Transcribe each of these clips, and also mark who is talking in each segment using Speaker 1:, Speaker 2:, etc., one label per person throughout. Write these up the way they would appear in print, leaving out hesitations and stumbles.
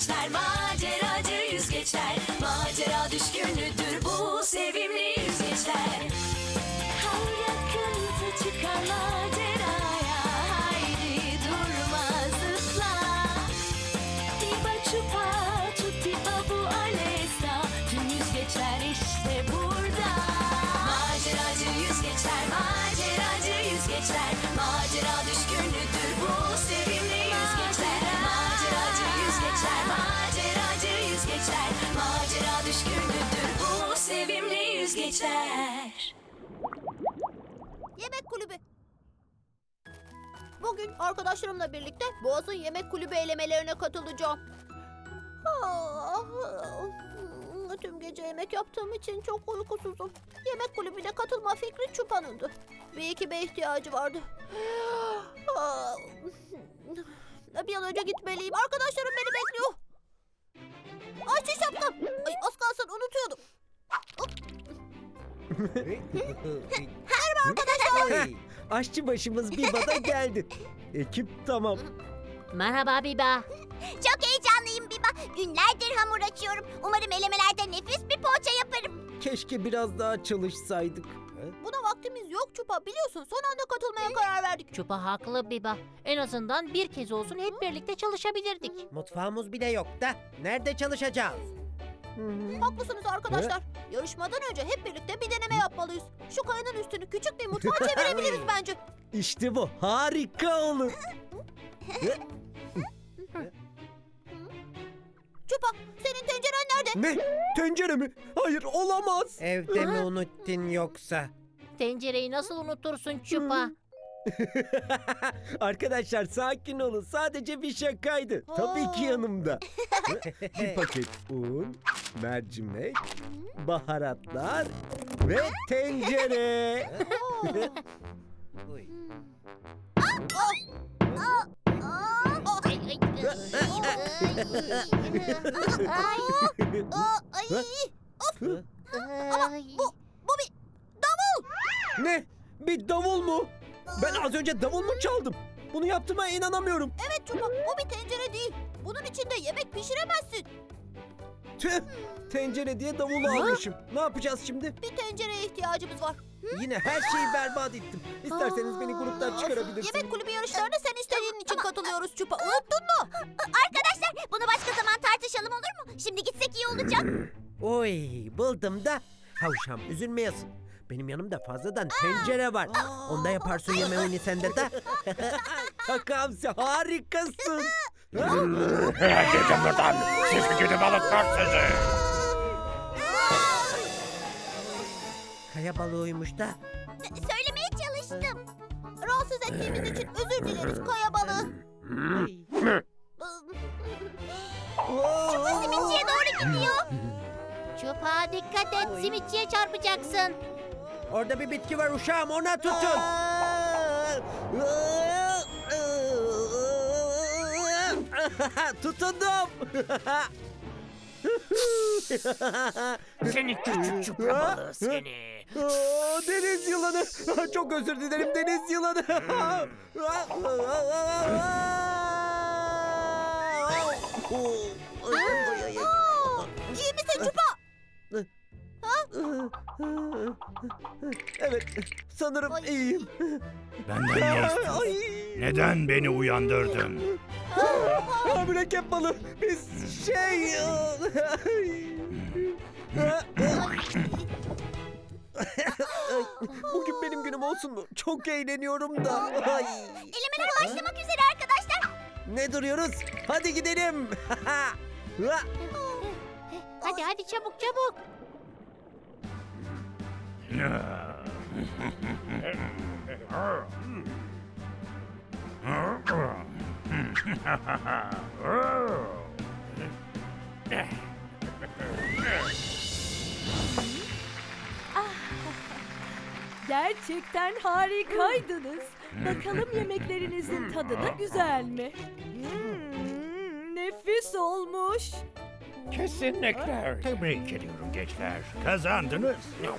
Speaker 1: yüzgeçler, maceracı yüzgeçler. Macera düşkünüdür bu sevimli yüzgeçler. Her yakınsa çıkar maceraya, haydi durma zıpla. Diba çupa, tutti babu alesta, tüm yüzgeçler işte burada. Maceracı yüzgeçler, maceracı yüzgeçler. Macera düşkünüdür bu sevimli yüzgeçler. Maceracı yüzgeçler, maceracı yüzgeçler. Macera düşkünüdür bu sevimli yüzgeçler.
Speaker 2: Yemek kulübü. Bugün arkadaşlarımla birlikte Boğaz'ın yemek kulübü elemelerine katılacağım. Tüm gece yemek yaptığım için çok uykusuzum. Yemek kulübüne katılma fikri Çupa'nındı. Bir ekibe ihtiyacı vardı. Bir an önce gitmeliyim. Arkadaşlarım beni bekliyor. Ayşe şapkam. Ay, az kalsın unutuyordum. Merhaba arkadaşlar.
Speaker 3: Aşçı başımız Biba da geldi. Ekip tamam.
Speaker 4: Merhaba Biba.
Speaker 2: Çok heyecanlıyım Biba. Günlerdir hamur açıyorum. Umarım elemelerde nefis bir poğaça yaparım.
Speaker 3: Keşke biraz daha çalışsaydık.
Speaker 2: Buna vaktimiz yok Çupa. Biliyorsun son anda katılmaya karar verdik.
Speaker 4: Çupa haklı Biba. En azından bir kez olsun hep birlikte çalışabilirdik.
Speaker 5: Mutfağımız bile yok da nerede çalışacağız?
Speaker 2: Haklısınız arkadaşlar. Yarışmadan önce hep birlikte bir deneme yapmalıyız. Şu kayanın üstünü küçük bir mutfağa çevirebiliriz bence.
Speaker 3: İşte bu harika olur.
Speaker 2: Çupa, senin tenceren nerede?
Speaker 3: Ne? Tencere mi? Hayır olamaz.
Speaker 5: Evde mi unuttun yoksa?
Speaker 4: Tencereyi nasıl unutursun Çupa?
Speaker 3: Arkadaşlar sakin olun. Sadece bir şakaydı. Tabii ki yanımda. Bir paket un, mercimek, baharatlar ve tencere.
Speaker 5: Uy.
Speaker 4: Ay, ay, ay.
Speaker 2: Bu bir davul.
Speaker 3: Ne? Bir davul mu? Ben az önce davul mu çaldım? Bunu yaptığıma inanamıyorum.
Speaker 2: Evet Çupa, bu bir tencere değil. Bunun içinde yemek pişiremezsin.
Speaker 3: Tüh! Tencere diye davulu almışım. Ne yapacağız şimdi?
Speaker 2: Bir tencereye ihtiyacımız var.
Speaker 3: Yine her şeyi berbat ettim. İsterseniz beni gruptan çıkarabilirsiniz.
Speaker 2: Yemek kulübü yarışlarına sen istediğin için katılıyoruz Çupa. Unuttun mu? Arkadaşlar, bunu başka zaman tartışalım olur mu? Şimdi gitsek iyi olacak.
Speaker 5: Oy buldum da. Havşam üzülmeyesin. Benim yanımda fazladan tencere var. Onda yaparsın yemeğini sende de.
Speaker 3: Kakamsi harikasın.
Speaker 6: Gidin buradan. Sizi gidip balıklar sizi.
Speaker 5: Kaya balığıymış da.
Speaker 2: Söylemeye çalıştım. Rahatsız ettiğimiz için özür dileriz kaya balığı. Çupa simitçiye doğru gidiyor.
Speaker 4: Çupa dikkat et, simitçiye çarpacaksın.
Speaker 5: Orada bir bitki var uşağım, ona tutun.
Speaker 3: Tutundum.
Speaker 6: Seni küçük çupra balığı seni.
Speaker 3: Deniz yılanı. Çok özür dilerim deniz yılanı.
Speaker 2: İyi misin Çupa?
Speaker 3: Evet, sanırım iyiyim.
Speaker 6: Benden ne istiyorsun?
Speaker 3: Ay.
Speaker 6: Neden beni uyandırdın?
Speaker 3: Mürekkep balı. Biz Bugün benim günüm olsun mu? Çok eğleniyorum da. Ay.
Speaker 2: Elemelere başlamak üzere arkadaşlar.
Speaker 3: Ne duruyoruz? Hadi gidelim.
Speaker 4: Hadi hadi çabuk çabuk.
Speaker 7: Gerçekten harikaydınız. Bakalım yemeklerinizin tadı da güzel mi? Nefis olmuş.
Speaker 6: Kesinlikle. Tebrik ediyorum gençler. Kazandınız.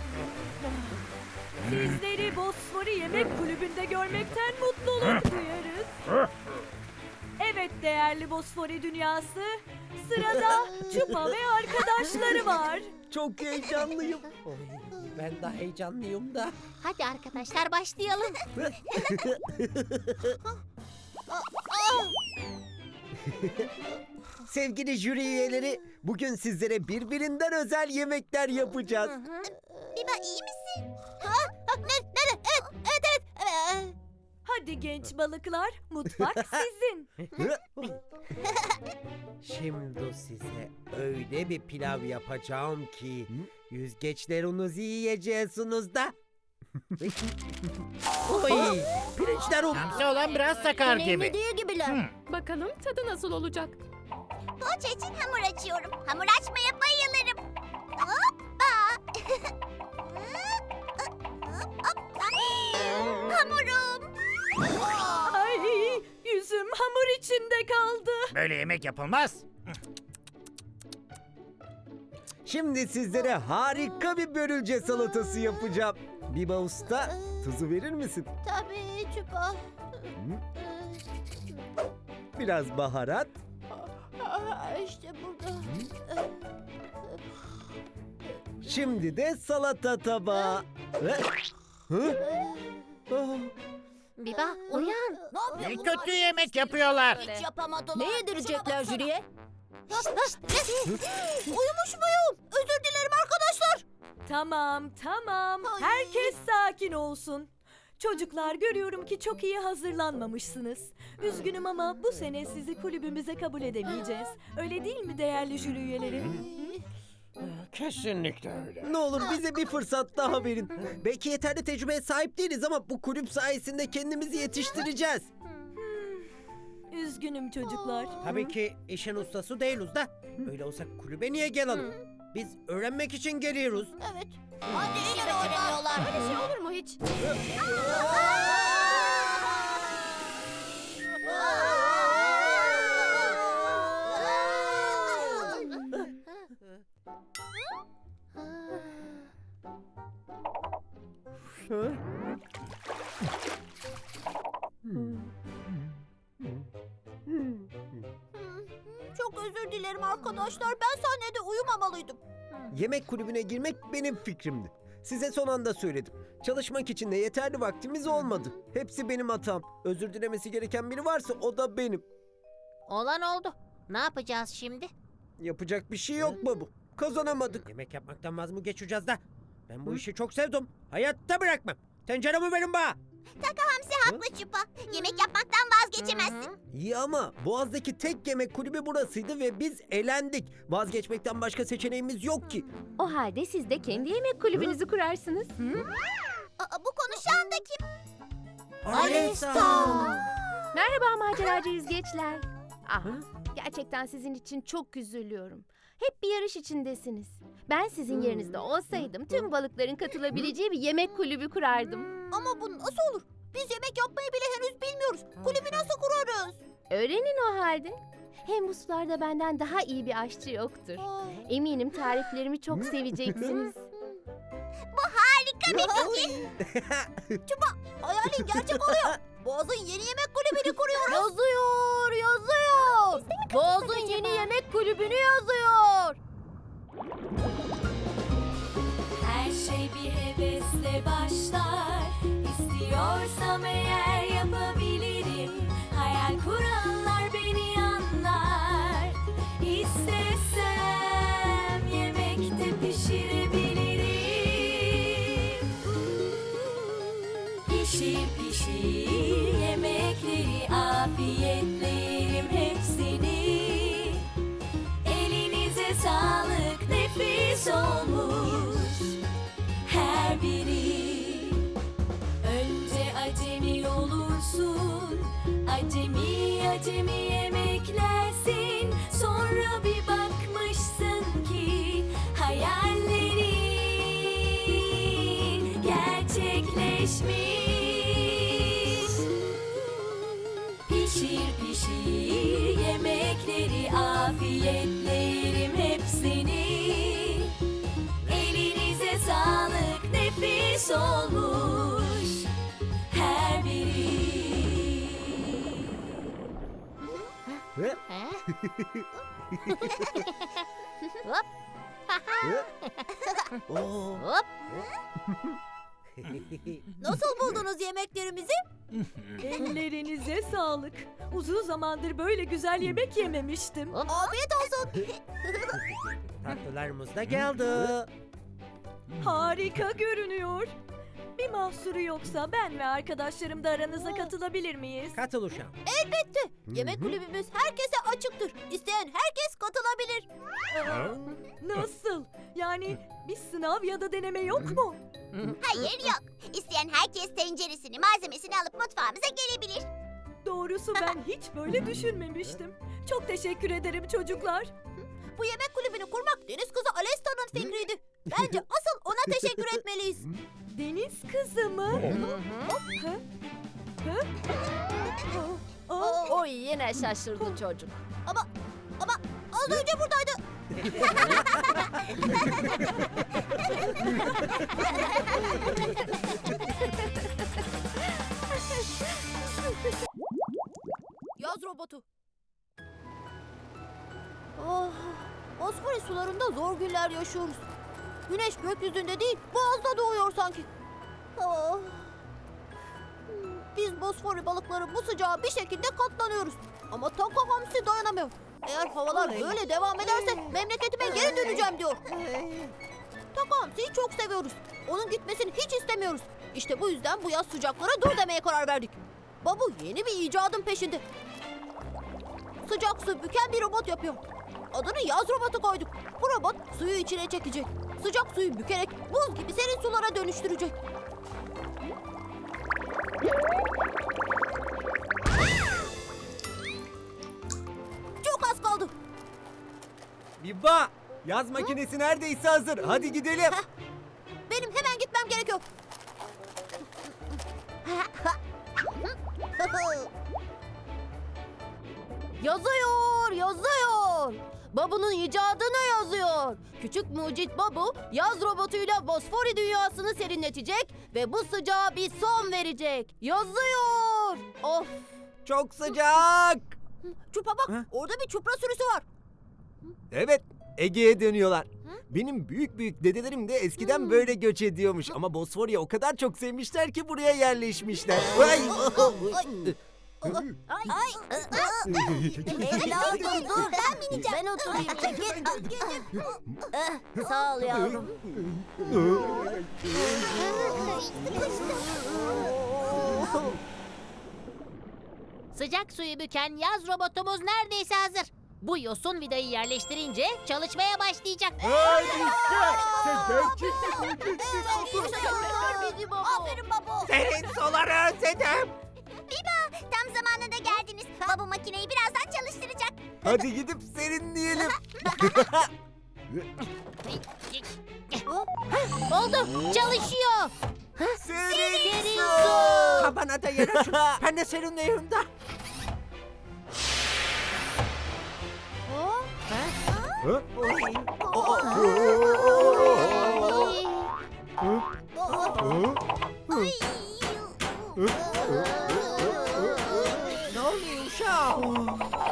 Speaker 7: Sizleri Bosfori Yemek Kulübü'nde görmekten mutluluk duyarız. Evet değerli Bosfori dünyası, sırada Çupa ve arkadaşları var.
Speaker 3: Çok heyecanlıyım. Oy, ben de heyecanlıyım da.
Speaker 4: Hadi arkadaşlar başlayalım.
Speaker 5: Sevgili jüri üyeleri, bugün sizlere birbirinden özel yemekler yapacağız.
Speaker 2: Biba iyi misin? Evet.
Speaker 7: Hadi genç balıklar, mutfak sizin.
Speaker 5: Şimdi size öyle bir pilav yapacağım ki yüzgeçlerinizi yiyeceksiniz da. Oy, pirinçler
Speaker 6: Hamsi olan biraz sakar gibi.
Speaker 2: Önemli değil gibiler.
Speaker 8: Bakalım tadı nasıl olacak?
Speaker 2: Poğaça için hamur açıyorum. Hamur açmaya bayılırım. Hoppa. Hamurum.
Speaker 7: Ay, yüzüm hamur içinde kaldı.
Speaker 6: Böyle yemek yapılmaz.
Speaker 5: Şimdi sizlere harika bir börülce salatası yapacağım. Biba Usta, tuzu verir misin?
Speaker 2: Tabii Çupa.
Speaker 5: Biraz baharat.
Speaker 2: İşte burada.
Speaker 5: Şimdi de salata tabağı. Hı? Ah,
Speaker 4: Biba uyan.
Speaker 6: Ne kötü yemek yapıyorlar.
Speaker 2: Hiç yapamadılar.
Speaker 8: Ne yedirecekler jüriye?
Speaker 2: Uyumuş muyum? Özür dilerim arkadaşlar.
Speaker 7: Tamam, tamam.
Speaker 2: Ay.
Speaker 7: Herkes sakin olsun. Çocuklar, görüyorum ki çok iyi hazırlanmamışsınız. Üzgünüm ama bu sene sizi kulübümüze kabul edemeyeceğiz. Öyle değil mi değerli jüri üyeleri?
Speaker 6: Kesinlikle öyle.
Speaker 5: Ne olur bize bir fırsat daha verin. Belki yeterli tecrübeye sahip değiliz ama bu kulüp sayesinde kendimizi yetiştireceğiz.
Speaker 7: Üzgünüm çocuklar.
Speaker 5: Tabii ki işin ustası değiliz da. Öyle olsa kulübe niye gelelim? Biz öğrenmek için geliyoruz.
Speaker 2: Evet. Hadi işi beceremiyorlar.
Speaker 8: Öyle şey olur mu hiç?
Speaker 2: Çok özür dilerim arkadaşlar. Ben sahnede uyumamalıydım.
Speaker 5: Yemek kulübüne girmek benim fikrimdi. Size son anda söyledim. Çalışmak için de yeterli vaktimiz olmadı. Hepsi benim hatam. Özür dilemesi gereken biri varsa o da benim.
Speaker 4: Olan oldu. Ne yapacağız şimdi?
Speaker 5: Yapacak bir şey yok babu. Kazanamadık. Yemek yapmaktan vaz mı geçeceğiz da? Ben bu işi çok sevdim. Hayatta bırakmam. Tenceremi verin bana.
Speaker 2: Hamsi haklı Çupa. Yemek yapmaktan vazgeçemezsin.
Speaker 5: İyi ama Boğaz'daki tek yemek kulübü burasıydı ve biz elendik. Vazgeçmekten başka seçeneğimiz yok ki.
Speaker 8: O halde siz de kendi yemek kulübünüzü kurarsınız.
Speaker 2: Bu konuşan da kim?
Speaker 8: Merhaba maceracı yüzgeçler. Ah, gerçekten sizin için çok üzülüyorum. Hep bir yarış içindesiniz. Ben sizin yerinizde olsaydım tüm balıkların katılabileceği bir yemek kulübü kurardım.
Speaker 2: Ama bu nasıl olur? Biz yemek yapmayı bile henüz bilmiyoruz. Kulübü nasıl kurarız?
Speaker 8: Öğrenin o halde. Hem bu sularda benden daha iyi bir aşçı yoktur. Eminim tariflerimi çok seveceksiniz.
Speaker 2: Hayalin gerçek oluyor. Boğaz'ın yeni yemek kulübünü kuruyoruz.
Speaker 8: Yazıyor. Boğaz'ın yeni yemek kulübünü yazıyor.
Speaker 1: Her şey bir hevesle başlar. İstiyorsam eğer yapabilirim. Hayal kuranlar beni anlar. İstesem yemekte pişirebilirim. Pişir pişir yemekleri afiyetle yerim hepsini. Elinize sağlık, nefis olmuş her biri. Önce acemi olursun, acemi acemi yemeklersin. Sonra bir bakmışsın ki hayallerin gerçekleşmiş. Pişir pişir yemekleri afiyetle yerim hepsini. Elinize sağlık, nefis olmuş her biri.
Speaker 4: He? Hop.
Speaker 5: Oo.
Speaker 4: Hop.
Speaker 2: Nasıl buldunuz yemeklerimizi?
Speaker 7: Ellerinize sağlık. Uzun zamandır böyle güzel yemek yememiştim.
Speaker 2: Afiyet olsun.
Speaker 5: Tatlılarımız da geldi.
Speaker 7: Harika görünüyor. Bir mahsuru yoksa ben ve arkadaşlarım da aranıza katılabilir miyiz?
Speaker 5: Katıl uşağım.
Speaker 2: Yemek kulübümüz herkese açıktır. İsteyen herkes katılabilir.
Speaker 7: Nasıl? Yani bir sınav ya da deneme yok mu?
Speaker 9: Hayır yok. İsteyen herkes tenceresini, malzemesini alıp mutfağımıza gelebilir.
Speaker 7: Doğrusu ben hiç böyle düşünmemiştim. Çok teşekkür ederim çocuklar.
Speaker 2: Bu yemek kulübünü kurmak deniz kızı Alesta'nın fikriydi. Bence asıl ona teşekkür etmeliyiz.
Speaker 7: Deniz kızı mı? Ha? Ha? Aa,
Speaker 8: O yine şaşırdı çocuk.
Speaker 2: Ama az önce buradaydı. Yaz robotu. Oh, Bosfor sularında zor günler yaşıyoruz. Güneş gökyüzünde değil, boğazda doğuyor sanki. Oh. Biz Bosfor balıkları bu sıcağa bir şekilde katlanıyoruz. Ama Taka Hamsi dayanamıyor. Eğer havalar böyle devam ederse memleketime geri döneceğim diyor. Taka Hamsi'yi çok seviyoruz. Onun gitmesini hiç istemiyoruz. İşte bu yüzden bu yaz sıcaklara dur demeye karar verdik. Babu yeni bir icadın peşinde. Sıcak su büken bir robot yapıyor. Adını yaz robotu koyduk. Bu robot suyu içine çekecek. Sıcak suyu bükerek buz gibi serin sulara dönüştürecek. Çok az kaldı.
Speaker 5: Biba, yaz makinesi neredeyse hazır. Hadi gidelim.
Speaker 2: Benim hemen gitmem gerekiyor. Yazıyor, yazıyor. Babu'nun icadını yazıyor. Küçük mucit Babu, yaz robotuyla Bosfori dünyasını serinletecek ve bu sıcağa bir son verecek. Yazıyor. Of.
Speaker 5: Çok sıcak.
Speaker 2: Çupa bak, orada bir çupra sürüsü var.
Speaker 5: Evet, Ege'ye dönüyorlar. Benim büyük büyük dedelerim de eskiden böyle göç ediyormuş. Ama Bosfor'u o kadar çok sevmişler ki buraya yerleşmişler. Ay!
Speaker 2: Ay. Evladım dur. Ben bineceğim. Ben oturayım. Çekil. Sağ ol yavrum.
Speaker 4: Sıcak suyu büken yaz robotumuz neredeyse hazır. Bu yosun vidayı yerleştirince çalışmaya başlayacak.
Speaker 2: Aferin baba.
Speaker 6: Senin suları özledim.
Speaker 9: Tam zamanında geldiniz. Baba makineyi birazdan çalıştıracak.
Speaker 5: Hadi gidip serinleyelim.
Speaker 4: Oldu, çalışıyor.
Speaker 5: Serin
Speaker 4: Serin
Speaker 5: su.
Speaker 4: su.
Speaker 6: Kabana da yer açın. Ben de serinleyeyim de. Ne oluyor uşağım?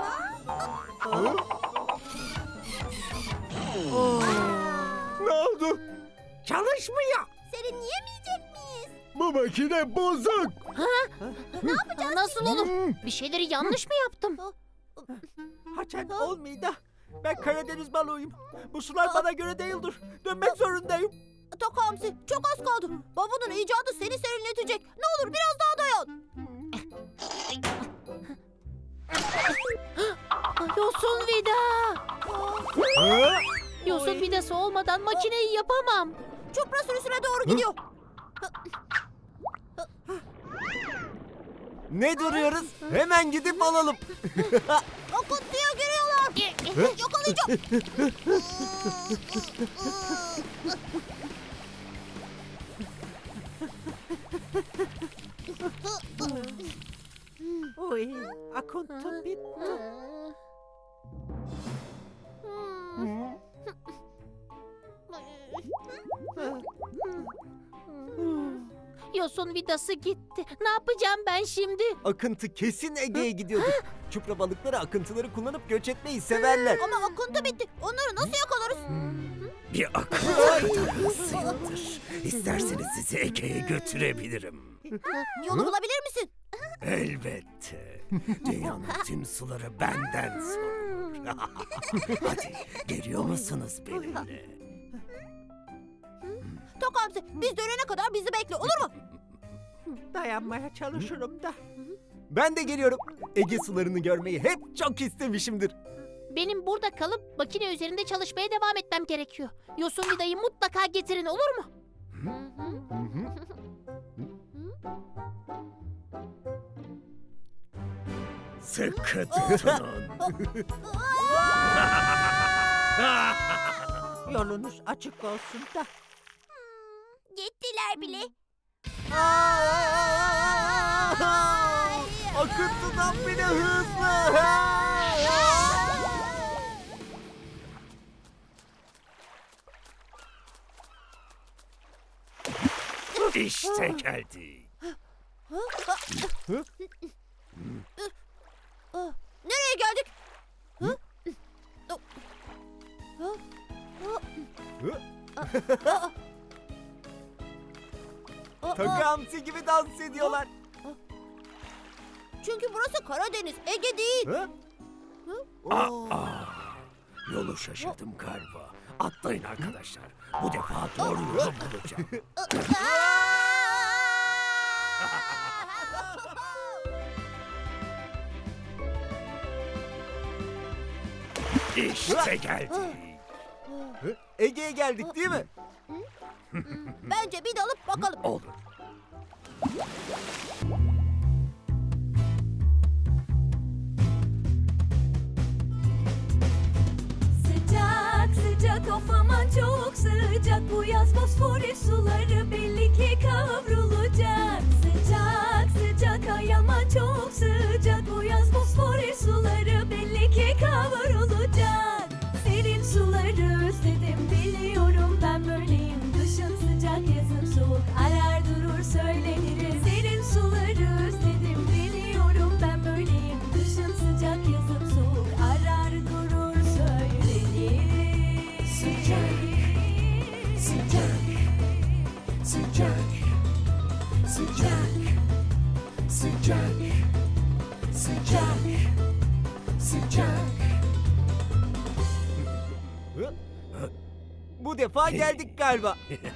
Speaker 5: Ne oldu?
Speaker 6: Çalışmıyor.
Speaker 2: Serinleyemeyecek miyiz?
Speaker 5: Bu makine bozuk.
Speaker 4: Nasıl olur? Bir şeyleri yanlış mı yaptım?
Speaker 6: Haçan olmuyor da. Ben Karadeniz balığıyım. Bu sular bana göre değildir. Dönmek zorundayım.
Speaker 2: Taka Hamsi, çok az kaldı. Babanın icadı seni serinletecek. Ne olur biraz daha dayan.
Speaker 4: Yosun vida. Yosun vidası olmadan makineyi yapamam.
Speaker 2: Çupra sürüsüne doğru gidiyor.
Speaker 5: Ne duruyoruz? Hemen gidip alalım.
Speaker 2: Akıntıya giriyorlar. Yakalayacağım.
Speaker 6: Oy, akıntı bitti.
Speaker 4: Yosun vidası gitti. Ne yapacağım ben şimdi?
Speaker 5: Akıntı kesin Ege'ye gidiyordur. Çupra balıkları akıntıları kullanıp göç etmeyi severler.
Speaker 2: Ama akıntı bitti. Onları nasıl yakalarız?
Speaker 10: Bir akıntı kadar hızlıyımdır. İsterseniz sizi Ege'ye götürebilirim.
Speaker 2: Yolu bulabilir misin?
Speaker 10: Elbette. Dünyanın tüm suları benden sorulur. Hadi geliyor musunuz benimle?
Speaker 2: Tok Hamsi biz dönene kadar bizi bekle olur mu?
Speaker 6: Dayanmaya çalışırım da.
Speaker 5: Ben de geliyorum. Ege sularını görmeyi hep çok istemişimdir.
Speaker 4: Benim burada kalıp makine üzerinde çalışmaya devam etmem gerekiyor. Yosun vidayı mutlaka getirin, olur mu?
Speaker 10: Sıkı tutunun.
Speaker 6: Yolunuz açık olsun da.
Speaker 9: Gittiler bile.
Speaker 5: Akıntıdan bile hızlı.
Speaker 10: İşte geldik.
Speaker 2: Nereye geldik?
Speaker 5: Tok Hamsi gibi dans ediyorlar.
Speaker 2: Çünkü burası Karadeniz, Ege değil.
Speaker 10: Yolu şaşırdım galiba. Atlayın arkadaşlar. Bu defa doğru yolu bulacağım. İşte geldik.
Speaker 5: Ege'ye geldik değil mi?
Speaker 2: Bence bir dalıp bakalım.
Speaker 10: Olur.
Speaker 1: Sıcak sıcak of aman çok sıcak. Bu yaz Bosfor suları belli ki kavrulacak. Sıcak sıcak ay aman çok sıcak. Bu yaz Bosfor suları belli ki kavrulacak. Serin suları özledim biliyorum ben böyleyim. Kışın sıcak yazın soğuk arar durur söyleniriz. Serin suları özledim biliyorum ben böyleyim. Kışın sıcak yazın soğuk arar durur söyleniriz. Sıcak, sıcak, sıcak, sıcak, sıcak, sıcak, sıcak.
Speaker 5: Bu defa geldik galiba.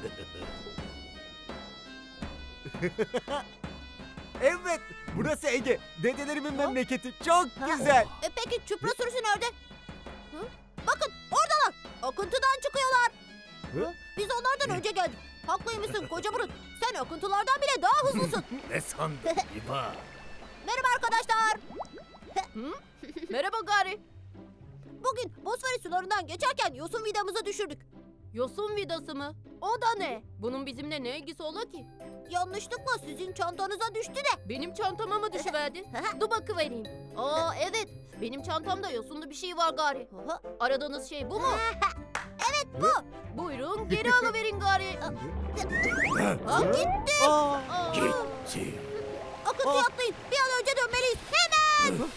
Speaker 5: Evet, burası Ege. Dedelerimin memleketi. Çok güzel.
Speaker 2: Peki çupra sürüsü nerede? Bakın oradalar. Akıntıdan çıkıyorlar. Biz onlardan önce geldik. Haklıymışsın koca burun. Sen akıntılardan bile daha hızlısın.
Speaker 10: Ne sandın İba?
Speaker 2: Merhaba arkadaşlar.
Speaker 7: Merhaba Gari.
Speaker 2: Bugün Bosfor sularından geçerken yosun vidamızı düşürdük.
Speaker 7: Yosun vidası mı? O da ne? Bunun bizimle ne ilgisi ola ki?
Speaker 2: Yanlışlıkla sizin çantanıza düştü de.
Speaker 7: Benim çantama mı düşüverdi? Dur bakıvereyim. Aa evet. Benim çantamda yosunlu bir şey var Gari. Aradığınız şey bu mu?
Speaker 2: Evet bu.
Speaker 7: Buyurun geri alıverin Gari.
Speaker 2: Gitti.
Speaker 10: Gitti.
Speaker 2: Akıntıya atlayın. Bir an önce dönmeliyiz. Hemen.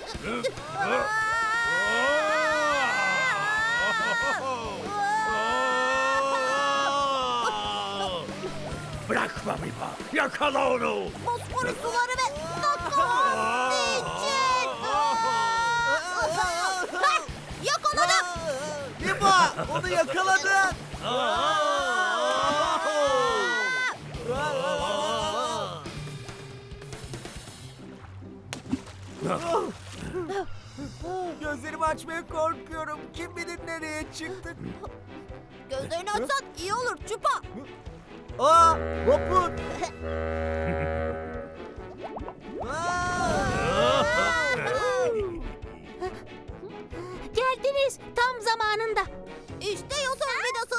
Speaker 10: Bırakma İba. Yakala onu.
Speaker 2: Bosfor suları ve Takamsi için. Yakaladım.
Speaker 5: İba, onu yakaladın. Gözlerimi açmaya korkuyorum. Kim bilir nereye çıktık.
Speaker 2: Gözlerini açsan iyi olur Çupa.
Speaker 5: Aa, vapur.
Speaker 4: Geldiniz tam zamanında.
Speaker 2: İşte yosun vidası.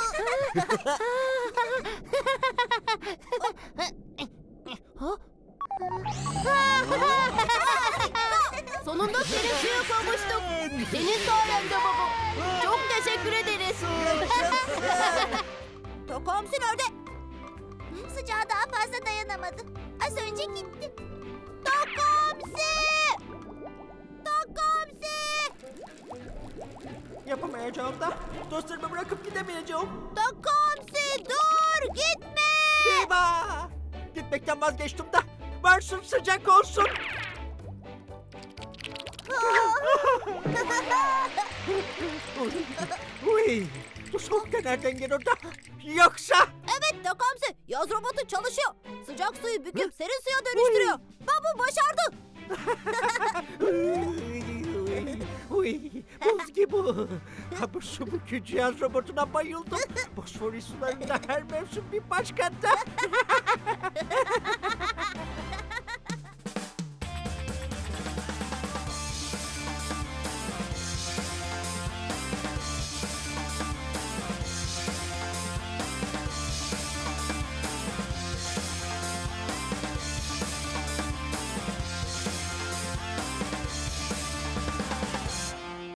Speaker 7: Sonunda senin suya kavuştuk. Senin sayende baba. Çok teşekkür ederiz.
Speaker 2: Takamsi nerede?
Speaker 9: sıcağa daha fazla dayanamadı. Az önce gitti. Takamsi! Takamsi!
Speaker 6: Yapamayacağım da dostlarımı bırakıp gidemeyeceğim.
Speaker 2: Takamsi dur gitme.
Speaker 6: Eyvah! Gitmekten vazgeçtim da varsın sıcak olsun. Uy, bu soğuk da nereden geliyor da? Yoksa...
Speaker 2: Evet Takamsi yaz robotu çalışıyor. Sıcak suyu büküp serin suya dönüştürüyor. Babu başardı.
Speaker 6: Uy, buz gibi. Ha bu su bükücü cihaz robotuna bayıldım. Bosfor sularında her mevsim bir başkanta.